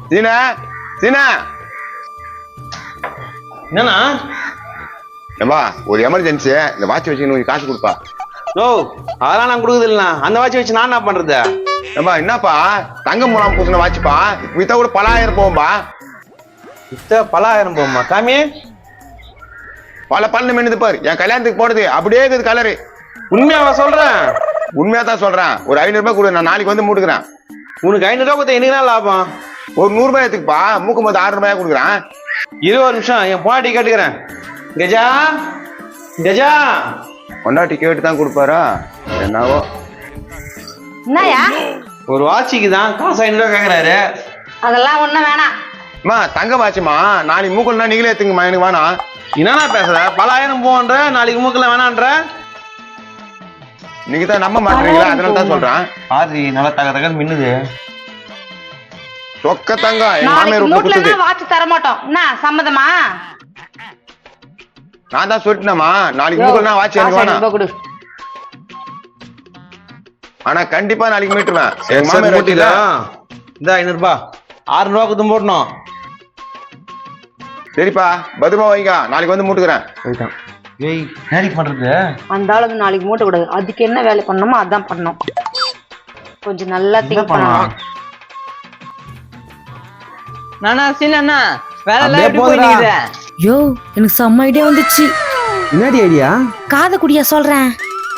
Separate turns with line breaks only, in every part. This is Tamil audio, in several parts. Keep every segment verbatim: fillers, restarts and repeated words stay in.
சீனா சீனா
என்னண்ணா?
ஏம்பா ஒரு எமர்ஜென்சி இந்த வாட்ச் வச்சு கொஞ்சம் காசு கொடுப்பா.
ஓ அதெல்லாம் நான் கொடுக்குது இல்லைண்ணா. அந்த வாட்ச் வச்சு நான் என்ன பண்றது?
ஏம்பா என்னப்பா தங்கம் மூலம் பூசின வாட்ச்ப்பா, வித்தா கூட பலாயிரம் போகும்பா.
வித்தா பலாயிரம் போகுமா? காமி
பல பல்லு மின்னுது பாரு, என் கல்யாணத்துக்கு போடுது அப்படியே இருக்குது கலரு.
உண்மையாவா சொல்றேன்?
உண்மையா தான் சொல்றேன். ஒரு ஐநூறு ரூபாய் கொடு, நான் நாளைக்கு வந்து மூட்டுக்கிறேன்.
உனக்கு ஐநூறு ரூபாய் கொடுத்தா எனக்கு என்ன லாபம்?
ஒரு நூறு ரூபாய் எடுத்துக்குப்பா, மூக்கும் போது ஆறு ரூபாயா கொடுக்குறேன்.
இருபது நிமிஷம் என் பொண்டாட்டி கேட்டுக்கிறேன். கஜா கஜா
பொண்டாட்டி கேட்டு தான் கொடுப்பாரா என்னவோ.
என்னயா?
ஒரு வாட்சிக்கு தான் காசு ஐநூறு ரூபாய் கேட்கறாரு.
அதெல்லாம் ஒண்ணும் வேணாம்.
அம்மா தங்க வாட்சிமா, நாளைக்கு மூக்கல்னா நீங்களே எடுத்துங்கம்மா, எனக்கு வேணாம்.
என்னண்ணா பேசுற? பலாயிரம் போன்ற நாளைக்கு மூக்கெல்லாம் வேணான்ற.
நீங்க தான் நம்ப மாட்டீங்களா, அதனால தான் சொல்றேன்.
ஆதி நல்லா தக தகன்னு மின்னுது.
சொக்க தங்கம் என்
நாளைக்கு
மாமியார் விட்டு
மூட்லனா
கொடுத்தது.
வாட்ச் தர மாட்டோம். என்ன சம்மதமா?
நான் தான் சொல்லிட்டேனம்மா, நாளைக்கு மூக்கல்னா வாட்சி எனக்கு வேணாம். ஆனா கண்டிப்பா நாளைக்கு மீட்டுவேன். என் மாமியார்
மூட்டில இந்த ஐநூறு ரூபாய் ஆறு ரூபாய் குத்தும் போடணும்.
சரிப்பா பத்திரமா வைங்க, நாளைக்கு வந்து மூட்டுக்கிறேன்.
ஏய் நாளைக்கு பண்றது?
அந்த ஆளுக்கு நாளைக்கு மூட்ட கூடாது. அதுக்கு என்ன வேலை பண்ணணுமோ அதான் பண்ணணும். கொஞ்சம் நல்லா திங்க் பண்ணணும்.
நானா சீனா வேலை எல்லாம் எப்படி போயிடுது?
யோ எனக்கு செம்ம ஐடியா வந்துச்சு.
என்னடி ஐடியா?
காத குடியா சொல்றேன்.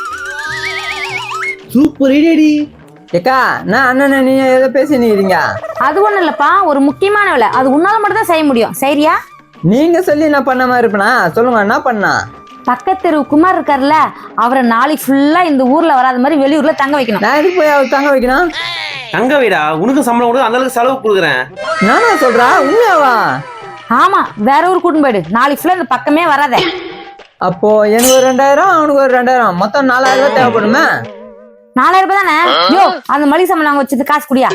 சூப்பர் ஐடியாடி. ஏக்கா நான் அண்ணன் நீங்க ஏதோ பேசினீங்க.
அது ஒண்ணும் இல்லப்பா, ஒரு முக்கியமான வேலை, அது உன்னால மட்டும் தான் செய்ய முடியும். சரியா?
நீங்க சொல்லி நான் பண்ண மாதிரி இருப்பேனா? சொல்லுங்க என்ன பண்ணா?
பக்கத்து குமார் இருக்காருல்ல, அவரை நாளைக்கு ஃபுல்லா இந்த ஊர்ல வராத மாதிரி வெளியூர்ல தங்க வைக்கணும்.
நான் எதுக்கு போய் அவர் தங்க வைக்கணும்?
தங்க வீடா? உனக்கு சம்பளம் கொடுத்து அந்த அளவுக்கு செலவு கொடுக்குறேன்.
நானா சொல்றா? உண்மையாவா?
ஆமா, வேற ஊர் கூட்டின்னு போயிடு. நாளைக்கு ஃபுல்லா இந்த பக்கமே வராத.
அப்போ எனக்கு ஒரு ரெண்டாயிரம் அவனுக்கு ஒரு ரெண்டாயிரம், மொத்தம் நாலாயிரம் ரூபாய் தேவைப்படுமே.
நாலாயிரம் ரூபாய் தானே? யோ அந்த மளிகை சாமான் நாங்க வச்சது காசு குடியா.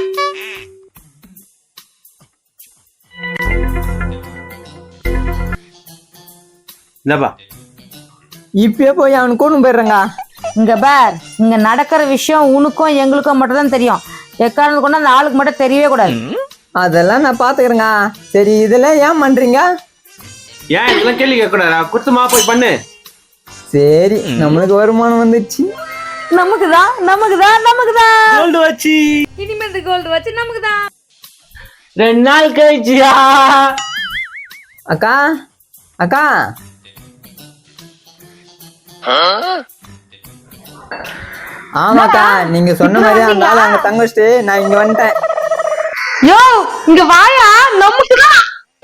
என்னப்பா
இப்பயே போய் அவனுக்கு கூட்டு போயிடுறேங்க.
இங்க பார், இங்க நடக்கிற விஷயம் உனக்கும் எங்களுக்கும் மட்டும் தான் தெரியும். எக்காரணத்து கொண்டு அந்த ஆளுக்கு மட்டும் தெரியவே கூடாது.
அதெல்லாம் நான் பாத்துக்கிறேங்க. சரி இதெல்லாம் ஏன் பண்றீங்க?
ஏன் இதெல்லாம் கேள்வி கேட்க கூடாதா? குத்துமா போய் பண்ணு.
சரி நம்மளுக்கு வருமானம் வந்துச்சு.
நமக்குதான் நமக்குதான் நமக்குதான்
கோல்டு வச்சு
இனிமேல் கோல்டு வச்சு நமக்குதான்.
ரெண்டு நாள் கழிச்சியா? அக்கா அக்கா ஆமாக்கா, நீங்க சொன்ன மாதிரி அந்த ஆள் அங்க தங்க வச்சுட்டு நான் இங்க வந்துட்டேன்.
யோ இங்க வாயா, நமக்குதான்.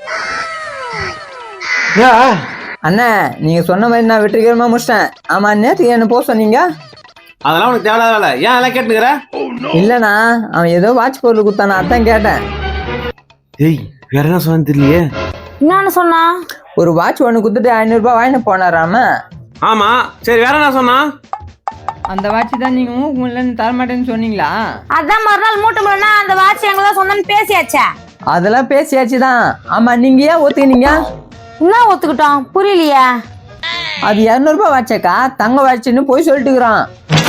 அண்ணா நீங்க சொன்ன மாதிரி நான் வெற்றிகரமா முடிச்சிட்டேன். ஆமா நேற்று என்ன போக சொன்னீங்க?
அதெல்லாம் உனக்கு தேவையில்லாத வேலை. ஏன் அதெல்லாம் கேட்டுக்கிற?
இல்லண்ணா அவன் ஏதோ வாட்ச் பொருள் கொடுத்தானா, அதான் கேட்டேன்.
ஏய் வேற என்ன சொன்னு தெரியலையே.
என்னன்னு சொன்னா?
ஒரு வாட்ச் ஒண்ணு குடுத்துட்டு ஐநூறு ரூபாய் வாங்கிட்டு போனாராம.
ஆமா சரி, வேற என்ன சொன்னா?
அந்த வாட்ச் தான் நீங்க உங்களுக்கு தரமாட்டேன்னு சொன்னீங்களா?
அதான் மறுநாள் மூட்டை முறைனா அந்த வாட்ச் எங்களதான் சொந்தம்னு பேசியாச்சே.
அதெல்லாம் பேசியாச்சுதான். ஆமா நீங்க ஏன் ஒத்துக்கினீங்க?
என்ன ஒத்துக்கிட்டோம்? புரியலையா?
அது இருநூறு ரூபாய் வாட்சக்கா, தங்க வாட்சுன்னு போய் சொல்லிட்டுக்கிறான்.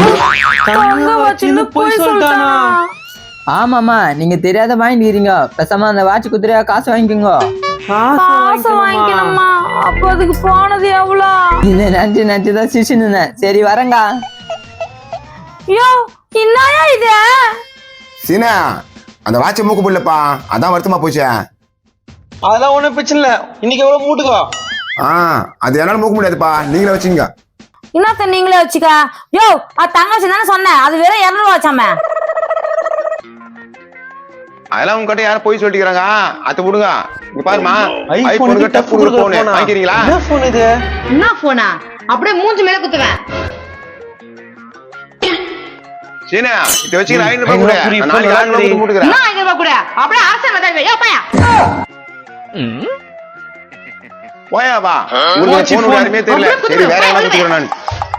போய் சொல்லிட்டானா?
ஆமாமா நீங்க தெரியாத வாங்கிக்கிறீங்க. பேசாம அந்த வாட்ச் குத்துறியா காசு வாங்கிக்கோங்க.
காசு வாங்கிக்கணுமா? அப்ப அதுக்கு போனது எவ்வளவு?
இது நன்றி நன்றி தான் சிரிச்சுன்னு. சரி வரங்க.
யோ என்னயா இது?
சீனா அந்த வாட்சை மூக்கு போடலப்பா, அதான் வருத்தமா போச்சே.
அதெல்லாம் ஒண்ணும் பிரச்சனை இல்ல. இன்னைக்கு எவ்வளவு மூட்டுக்கோ.
ஆ அது என்னால மூக்க முடியாதுப்பா, நீங்களே வச்சுங்க.
என்னத்த நீங்களே வச்சுக்க? யோ அது தங்க வச்சு தானே சொன்னேன், அது வெறும் இருநூறு ரூபா வச்சாம.
அதெல்லாம் உங்ககிட்ட யாரும் போய் சொல்லிக்கிறாங்க, அதை விடுங்க. இங்க பாருமா,
ஐபோன்
ஐபோன்
கிட்ட
டஃப் கொடுக்குற போன் வாங்கிக்கிறீங்களா?
என்ன போன் இது?
என்ன போனா? அப்படியே மூஞ்சி மேல குத்துவேன்.
சீனா இத வச்சு ஐநூறு ரூபாய் கூட நாளைக்கு ஆறு ரூபாய் மூட்டுறேன்.
என்ன ஐநூறு ரூபாய் கூட? அப்படியே ஆசை வந்தாங்க. யோ பையா
போயா வா, உங்களுக்கு போன் யாருமே தெரியல. சரி வேற என்ன குத்துறேன் நான்.